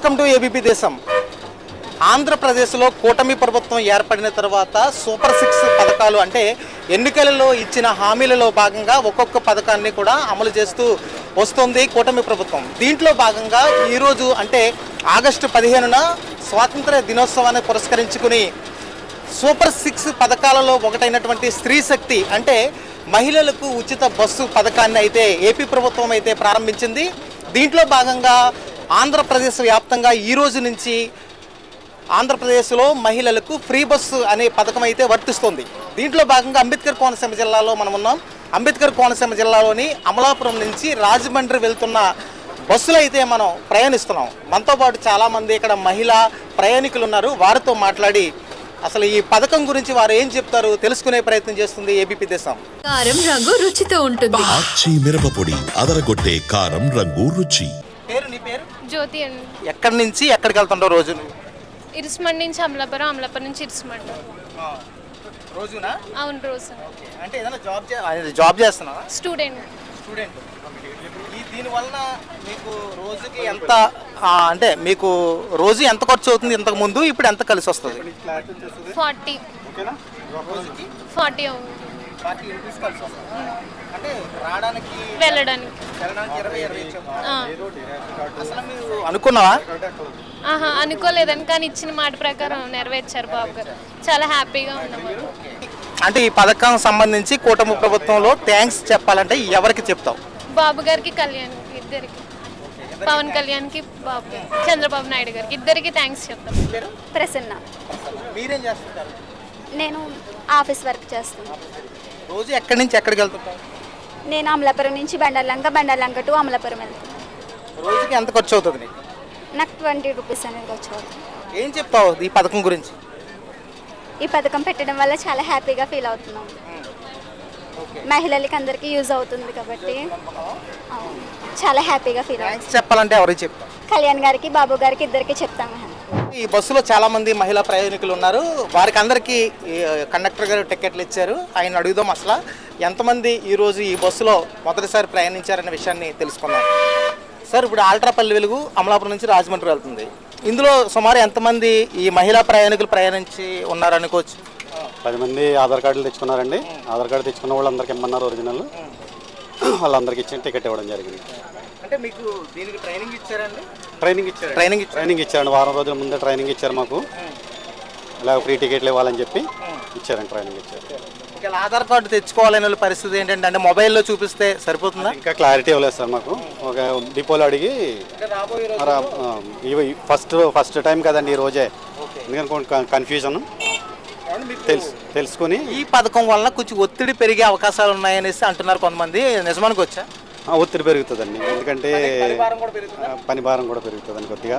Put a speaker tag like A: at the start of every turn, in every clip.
A: Welcome to ABP దేశం. ఆంధ్రప్రదేశ్లో కూటమి ప్రభుత్వం ఏర్పడిన తర్వాత సూపర్ 6 పథకాలు అంటే ఎన్నికలలో ఇచ్చిన హామీలలో భాగంగా ఒక్కొక్క పథకాన్ని కూడా అమలు చేస్తూ వస్తుంది కూటమి ప్రభుత్వం. దీంట్లో భాగంగా ఈరోజు అంటే ఆగస్టు 15న స్వాతంత్ర దినోత్సవాన్ని పురస్కరించుకుని సూపర్ 6 పథకాలలో ఒకటైనటువంటి స్త్రీ శక్తి అంటే మహిళలకు ఉచిత బస్సు పథకాన్ని అయితే ఏపీ ప్రభుత్వం అయితే ప్రారంభించింది. దీంట్లో భాగంగా ఆంధ్రప్రదేశ్ వ్యాప్తంగా ఈ రోజు నుంచి ఆంధ్రప్రదేశ్లో మహిళలకు ఫ్రీ బస్సు అనే పథకం అయితే వర్తిస్తుంది. దీంట్లో భాగంగా అంబేద్కర్ కోనసీమ జిల్లాలో మనం ఉన్నాం. అంబేద్కర్ కోనసీమ జిల్లాలోని అమలాపురం నుంచి రాజమండ్రి వెళ్తున్న బస్సులు అయితే మనం ప్రయాణిస్తున్నాం. మనతో పాటు చాలామంది ఇక్కడ మహిళా ప్రయాణికులు ఉన్నారు. వారితో మాట్లాడి అసలు ఈ పథకం గురించి వారు ఏం చెప్తారు తెలుసుకునే ప్రయత్నం చేస్తుంది ఏబీపీ దేశం.
B: కారం రంగు రుచితో ఉంటుంది.
C: ఆచి మిరపపొడి అదరగొట్టే కారం రంగు రుచి.
A: నీ పేరు?
D: జ్యోతి అండి.
A: ఎక్కడి నుంచి ఎక్కడికి వెళ్తుంటావు రోజు?
D: ఇరుసుమండి నుంచి అమలాపురం, అమలాపురం నుంచి ఇరుసుమండి.
A: రోజునా?
D: అవును, రోజు.
A: అంటే ఏదైనా జాబ్ చేస్తున్నావా?
D: స్టూడెంట్.
A: దీనివల్ల మీకు రోజుకి ఎంత అంటే మీకు రోజు ఎంత ఖర్చు అవుతుంది ఇంతకు ముందు, ఇప్పుడు ఎంత కలిసి వస్తుంది?
D: 40 40 అవుతుంది.
A: 40 రూపీస్ కలిసి వస్తుంది. అంటే రావడానికి
D: వెళ్ళడానికి
A: 20 అసలు మీరు అనుకున్నావా?
D: అనుకోలేదని, కానీ ఇచ్చిన మాట ప్రకారం నెరవేర్చారు బాబు గారు. చాలా హ్యాపీగా ఉన్నాం.
A: అంటే ఈ పథకం సంబంధించి కూటమి ప్రభుత్వంలో థ్యాంక్స్ చెప్పాలంటే ఎవరికి చెప్తావు?
D: బాబు గారికి, కళ్యాణ్ ఇద్దరికి, పవన్ కళ్యాణ్కి, బాబు గారు, చంద్రబాబు నాయుడు గారికి ఇద్దరికి థ్యాంక్స్ చెప్తాం.
E: ప్రసన్న.
A: మీరేం చేస్తుంటారు?
E: నేను ఆఫీస్ వర్క్ చేస్తాను.
A: రోజు ఎక్కడి నుంచి ఎక్కడికి వెళ్తుంటారు?
E: నేను అమలాపురం నుంచి బండర్లంక టు అమలాపురం వెళ్తాను.
A: రోజుకి ఎంత ఖర్చు అవుతుంది నీకు?
E: నాకు 20 రూపీస్ అనేది వచ్చేది.
A: ఏం చెప్తావు ఈ పథకం గురించి?
E: ఈ పథకం పెట్టడం వల్ల చాలా హ్యాపీగా ఫీల్ అవుతున్నాం. మహిళలకి అందరికీ యూజ్ అవుతుంది కాబట్టి చాలా హ్యాపీగా ఫీల్ అవుతుంది.
A: చెప్పాలంటే ఎవరికి చెప్తాం?
E: కళ్యాణ్ గారికి, బాబు గారికి ఇద్దరికి చెప్తాము.
A: ఈ బస్సులో చాలా మంది మహిళా ప్రయాణికులు ఉన్నారు. వారికి అందరికీ కండక్టర్ గారు టికెట్లు ఇచ్చారు. ఆయన అడుగుదాం అసలు ఎంతమంది ఈరోజు ఈ బస్సులో మొదటిసారి ప్రయాణించారనే విషయాన్ని తెలుసుకున్నాం. సార్, ఇప్పుడు ఆల్ట్రాపల్లి వెలుగు అమలాపురం నుంచి రాజమండ్రి వెళ్తుంది. ఇందులో సుమారు ఎంతమంది ఈ మహిళా ప్రయాణికులు ప్రయాణించి ఉన్నారనుకోవచ్చు?
F: 10 మంది ఆధార్ కార్డులు తెచ్చుకున్నారండి. ఆధార్ కార్డు తెచ్చుకున్న వాళ్ళందరికీ ఇమ్మన్నారు ఒరిజినల్. వాళ్ళందరికీ ఇచ్చిన టికెట్ ఇవ్వడం జరిగింది.
A: అంటే మీకు దీనికి ట్రైనింగ్ ఇచ్చారండి?
F: ట్రైనింగ్ ఇచ్చారండి. వారం రోజుల ముందే ట్రైనింగ్ ఇచ్చారు మాకు. ఇలా ఫ్రీ టికెట్లు ఇవ్వాలని చెప్పి ఇచ్చారండి, ట్రైనింగ్ ఇచ్చారు.
A: ఆధార్ కార్డు తెచ్చుకోవాలనే పరిస్థితి ఏంటంటే అంటే మొబైల్లో చూపిస్తే సరిపోతుందా?
F: ఇంకా క్లారిటీ ఇవ్వలేదు సార్ మాకు. ఒక డిపోలో అడిగి ఫస్ట్ టైం కదండి ఈ రోజే, ఎందుకంటే కన్ఫ్యూజన్ తెలుసుకుని.
A: ఈ పథకం వల్ల కొంచెం ఒత్తిడి పెరిగే అవకాశాలు ఉన్నాయనేసి అంటున్నారు కొంతమంది. నిజమానికి వచ్చా?
F: ఒత్తిడి పెరుగుతుందండి, ఎందుకంటే పని భారం కూడా పెరుగుతుందండి కొద్దిగా.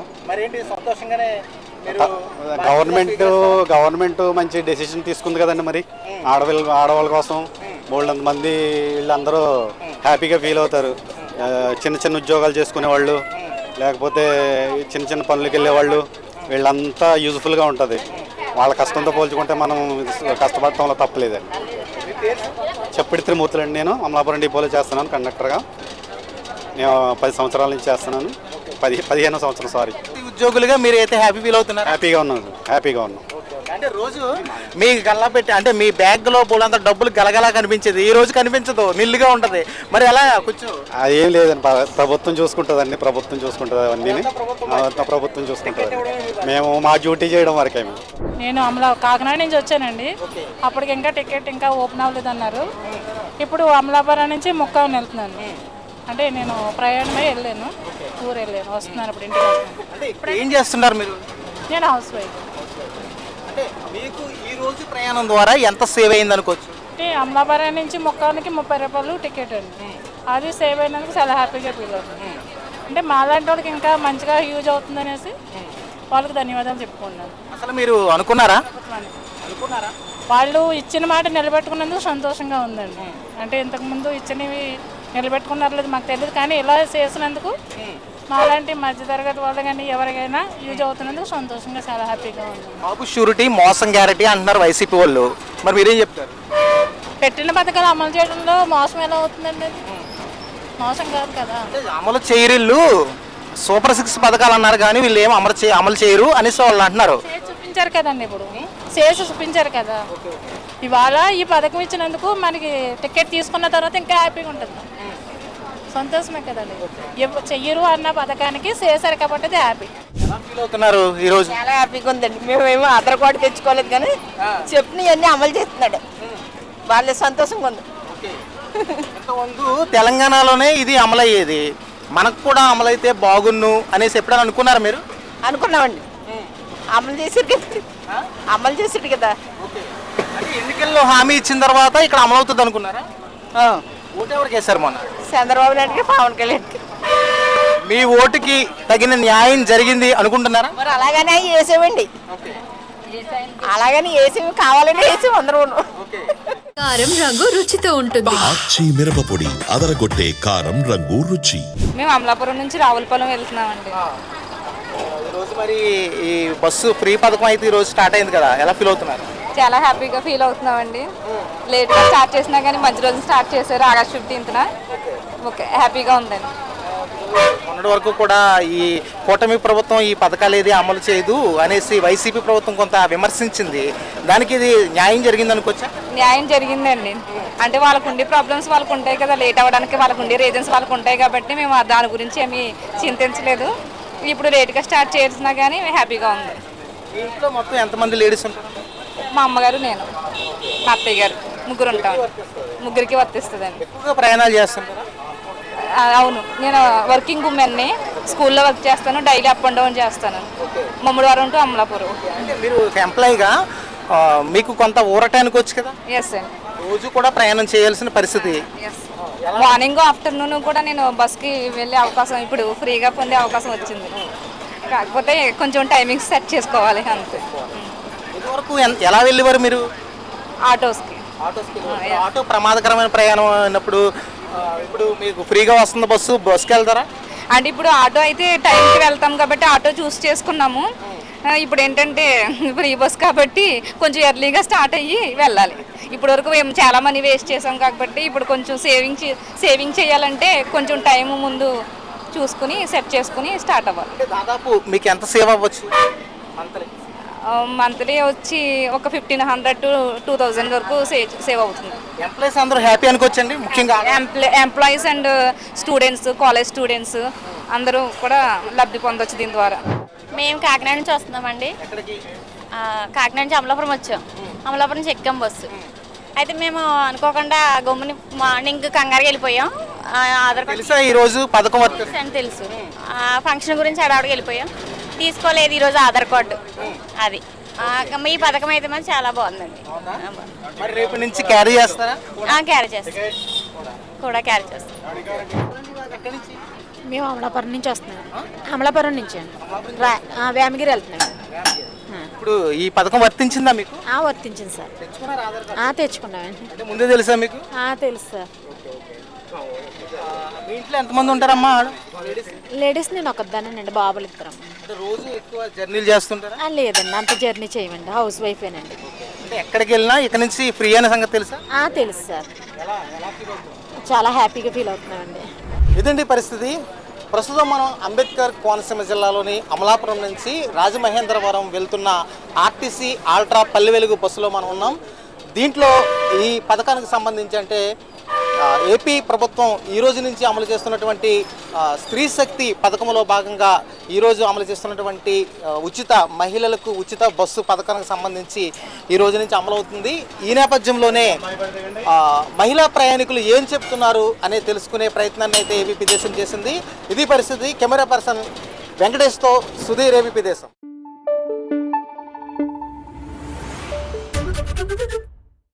F: గవర్నమెంట్ మంచి డెసిషన్ తీసుకుంది కదండి. మరి ఆడవాళ్ళ కోసం బోల్డ్ మంది వీళ్ళందరూ హ్యాపీగా ఫీల్ అవుతారు. చిన్న ఉద్యోగాలు చేసుకునే వాళ్ళు, లేకపోతే చిన్న పనులకు వెళ్ళేవాళ్ళు, వీళ్ళంతా యూజ్ఫుల్గా ఉంటుంది. వాళ్ళ కష్టంతో పోల్చుకుంటే మనం కష్టపడటంలో తప్పలేదండి. చెప్పిడి త్రిమూర్తులండి. నేను అమలాపురం డిపోలో చేస్తున్నాను కండక్టర్గా. నేను 10 సంవత్సరాల నుంచి చేస్తున్నాను. 15వ సంవత్సరం. సారీ.
A: ఉద్యోగులుగా మీరు అయితే హ్యాపీ ఫీల్ అవుతున్నారు?
F: హ్యాపీగా ఉన్నాం.
A: అంటే రోజు మీ గల్లా పెట్టి అంటే మీ బ్యాగ్లో పోలంత డబ్బులు గలగలా కనిపించేది, ఈ రోజు కనిపించదు, నిల్లుగా ఉంటుంది. మరి ఎలా కొంచెం?
F: అది ఏం లేదండి, ప్రభుత్వం చూసుకుంటుందండి. ప్రభుత్వం చూసుకుంటుంది అవన్నీ. ప్రభుత్వం చూసుకుంటుంది. మేము మా డ్యూటీ చేయడం వరకే.
G: నేను కాకినాడ నుంచి వచ్చానండి. అప్పటికి ఇంకా టికెట్ ఇంకా ఓపెన్ అవ్వలేదు అన్నారు. ఇప్పుడు అమలాపురం నుంచి ముక్కావని వెళ్తున్నాను. అంటే నేను ప్రయాణమై వెళ్ళాను, ఊరు వెళ్ళాను, వస్తున్నాను. ఇప్పుడు ఇంటికి వస్తున్నాను.
A: ఏం చేస్తున్నారు మీరు?
G: నేను హౌస్ వైఫ్.
A: అంటే మీకు ఈ రోజు ప్రయాణం ద్వారా ఎంత సేవ్ అయింది అనుకోవచ్చు?
G: అంటే అమలాపురం నుంచి ముక్కావనికి 30 రూపాయలు టికెట్ అండి. అది సేవ్ అయినందుకు చాలా హ్యాపీగా ఫీల్ అవుతుంది. అంటే మాలాంటి వాళ్ళకి ఇంకా మంచిగా యూజ్ అవుతుంది అనేసి వాళ్ళకి ధన్యవాదాలు చెప్పుకున్నాను.
A: అసలు మీరు అనుకున్నారా?
G: వాళ్ళు ఇచ్చిన మాట నిలబెట్టుకున్నందుకు సంతోషంగా ఉందండి. అంటే ఇంతకుముందు ఇచ్చినవి నిలబెట్టుకున్నారు లేదు మాకు తెలియదు, కానీ ఇలా చేసినందుకు మాలాంటి మధ్యతరగతి వాళ్ళు కానీ ఎవరికైనా యూజ్ అవుతున్నందుకు సంతోషంగా చాలా హ్యాపీగా ఉంది.
A: బాబు షూరిటీ, మోసం గ్యారెంటీ అంటున్నారు వైసీపీ వాళ్ళు. మరి మీరేం చెప్తారు?
G: పెట్టిన పథకాలు అమలు చేయడంలో మోసం ఎలా అవుతుందండి? మోసం కాదు కదా.
A: అమలు చేయరిల్లు సూపర్ 6 పథకాలు అన్నారు కానీ వీళ్ళు ఏం అమలు చేయరు అనేసి వాళ్ళు అంటున్నారు.
G: చేసి చూపించారు కదండి, ఇప్పుడు చేసి చూపించారు కదా. ఇవాళ ఈ పథకం ఇచ్చినందుకు మనకి టికెట్ తీసుకున్న తర్వాత ఇంకా హ్యాపీగా ఉంటుంది, సంతోషమే కదండి. చెయ్యరు అన్న పథకానికి చేశారు కాబట్టి అది హ్యాపీ.
A: ఎలా ఫీల్ అవుతున్నారు ఈరోజు?
H: చాలా హ్యాపీగా ఉందండి. మేమేమో ఆధార్ కార్డు తెచ్చుకోలేదు కానీ చెప్పినవన్నీ అమలు చేస్తున్నాడు, వాళ్ళ సంతోషంగా ఉంది.
A: ఇంతకుముందు తెలంగాణలోనే ఇది అమలయ్యేది, మనకు కూడా అమలైతే బాగున్ను అనేసి ఎప్పుడైనా అనుకున్నారు మీరు?
H: అనుకున్నామండి, అమలు చేసారు కదా, అమలు చేసాడు కదా.
A: అంటే ఎన్నికల్లో హామీ ఇచ్చిన తర్వాత ఇక్కడ అమలవుతుంది అనుకున్నారా? ఓటు ఎవరికి వేశారు మొన్న?
H: చంద్రబాబు నాయుడుకి, పవన్ కళ్యాణ్కి.
A: మీ ఓటుకి తగిన న్యాయం జరిగింది అనుకుంటున్నారా?
H: మరి అలాగనే వేసామండి, అలాగని వేసేవి కావాలని వేసాము అందరూ.
B: కారం రంగు రుచితో ఉంటుంది.
C: ఆచి మిరపపొడి అదరగొట్టే కారం రంగు రుచి.
I: మేము అమలాపురం నుంచి రావులపాలెం వెళ్తున్నామండి.
A: ఈరోజు మరి ఈ బస్సు ఫ్రీ పథకం అయితే ఈరోజు స్టార్ట్ అయింది కదా, ఎలా ఫీల్ అవుతున్నారు?
I: చాలా హ్యాపీగా ఫీల్ అవుతున్నామండి. లేట్గా స్టార్ట్ చేసినా కానీ మంచి రోజు స్టార్ట్ చేశారు, ఆగస్ట్ 15న. ఓకే, హ్యాపీగా ఉందండి.
A: మొన్నటి వరకు కూడా ఈ కూటమి ప్రభుత్వం ఈ పథకాలు ఏది అమలు చేయదు అనేసి వైసీపీ ప్రభుత్వం కొంత విమర్శించింది, దానికి ఇది న్యాయం జరిగింది అనుకోవచ్చా?
I: న్యాయం జరిగిందండి. అంటే వాళ్ళకు ఉండే ప్రాబ్లమ్స్ వాళ్ళకు ఉంటాయి కదా, లేట్ అవ్వడానికి వాళ్ళకు ఉండే రీజన్స్ వాళ్ళకు ఉంటాయి కాబట్టి మేము దాని గురించి ఏమీ చింతించలేదు. ఇప్పుడు లేట్గా స్టార్ట్ చేసినా కానీ హ్యాపీగా ఉంది.
A: ఇంట్లో మొత్తం ఎంతమంది లేడీస్ ఉంటారు?
I: మా అమ్మగారు, నేను, మా అత్తయ్య గారు, ముగ్గురు ఉంటాం. ముగ్గురికి వర్తిస్తుందండి.
A: ఎక్కువగా ప్రయాణాలు చేస్తుంటారా?
I: అవును, నేను వర్కింగ్ ఉమెన్ని, స్కూల్లో వర్క్ చేస్తాను, డైలీ అప్ అండ్ డౌన్ చేస్తాను. మమ్మడివారం టు అమలాపురం.
A: అంటే మీరు ఎంప్లాయీగా మీకు కొంత ఊరటానికి వచ్చు కదా,
I: ఎస్ అండి.
A: రోజు కూడా ప్రయాణం చేయాల్సిన పరిస్థితి.
I: ఎస్, మార్నింగ్ ఆఫ్టర్నూన్ కూడా నేను బస్కి వెళ్ళే అవకాశం, ఇప్పుడు ఫ్రీగా పొందే అవకాశం వచ్చింది. కాకపోతే కొంచెం టైమింగ్స్ సెట్ చేసుకోవాలి అంతే.
A: ఇదివరకు ఎలా వెళ్ళేవారు మీరు?
I: ఆటోస్కి.
A: ఆటో ప్రమాదకరమైన ప్రయాణం అయినప్పుడు ఇప్పుడు మీకు ఫ్రీగా వస్తుంది బస్సుకి వెళ్తారా?
I: అంటే ఇప్పుడు ఆటో అయితే టైంకి వెళ్తాం కాబట్టి ఆటో చూస్ చేసుకున్నాము. ఇప్పుడు ఏంటంటే ఫ్రీ బస్ కాబట్టి కొంచెం ఎర్లీగా స్టార్ట్ అయ్యి వెళ్ళాలి. ఇప్పటి వరకు మేము చాలా మనీ వేస్ట్ చేసాం కాబట్టి ఇప్పుడు కొంచెం సేవింగ్ చేయాలంటే కొంచెం టైం ముందు చూసుకుని సెట్ చేసుకుని స్టార్ట్ అవ్వాలి.
A: దాదాపు మీకు ఎంత సేవ్ అవ్వచ్చు?
I: మంత్లీ వచ్చి ఒక 1500 to 2000 వరకు సేవ్ అవుతుంది.
A: ఎంప్లాయీస్ అందరూ హ్యాపీ అనుకోవచ్చండి, ముఖ్యంగా
I: employees and students, college students అందరూ కూడా లబ్ధి పొందొచ్చు దీని ద్వారా.
D: మేము కాకినాడ నుంచి వస్తున్నామండి. కాకినాడ నుంచి అమలాపురం వచ్చాం. అమలాపురం నుంచి ఎక్కాం బస్సు. అయితే మేము అనుకోకుండా గమ్ముని మార్నింగ్ కంగారుగా వెళ్ళిపోయాం. ఆధార్ కార్డు
A: తెలుసా ఈరోజు పథకం
D: అని తెలుసు, ఫంక్షన్ గురించి అడవాడికి వెళ్ళిపోయాం. తీసుకోలేదు ఈరోజు ఆధార్ కార్డు. అది ఈ పథకం అయితే మాత్రం చాలా బాగుందండి.
A: మరి రేపు నుంచి క్యారీ చేస్తారా?
D: క్యారీ చేస్తాం, కూడా క్యారీ చేస్తాం.
G: మేము అమలాపురం నుంచి వస్తున్నాం. అమలాపురం నుంచి వేమగిరి వెళ్తున్నాం.
A: ఇప్పుడు ఈ పథకం వర్తించిందా మీకు?
G: వర్తించింది సార్. తెచ్చుకున్నామండి.
A: అంటే ముందే తెలుసా మీకు?
G: తెలుసు సార్.
A: మీ ఇంట్లో ఎంతమంది ఉంటారమ్మా?
G: లేడీస్ నేను ఒకదానండి, బాబులు ఇద్దరం.
A: రోజు ఎక్కువ జర్నీలు చేస్తుంటారా?
G: లేదండి, అంత జర్నీ చేయమండి, హౌస్ వైఫేనండి.
A: అంటే ఎక్కడికి వెళ్ళినా ఇక్కడ నుంచి ఫ్రీ అనే సంగతి తెలుసా?
G: తెలుసు సార్. చాలా హ్యాపీగా ఫీల్ అవుతున్నామండి.
A: ఇదండి పరిస్థితి. ప్రస్తుతం మనం అంబేద్కర్ కోనసీమ జిల్లాలోని అమలాపురం నుంచి రాజమహేంద్రవరం వెళ్తున్న ఆర్టీసీ ఆల్ట్రా పల్లె వెలుగు బస్సులో మనం ఉన్నాం. దీంట్లో ఈ పథకానికి సంబంధించి అంటే ఏపీ ప్రభుత్వం ఈరోజు నుంచి అమలు చేస్తున్నటువంటి స్త్రీ శక్తి పథకంలో భాగంగా ఈరోజు అమలు చేస్తున్నటువంటి మహిళలకు ఉచిత బస్సు పథకానికి సంబంధించి ఈ రోజు నుంచి అమలవుతుంది. ఈ నేపథ్యంలోనే మహిళా ప్రయాణికులు ఏం చెప్తున్నారు అనే తెలుసుకునే ప్రయత్నాన్ని అయితే ఏబీపీ దేశం చేసింది. ఇది పరిస్థితి. కెమెరా పర్సన్ వెంకటేష్తో సుధీర్, ఏబీపీ దేశం.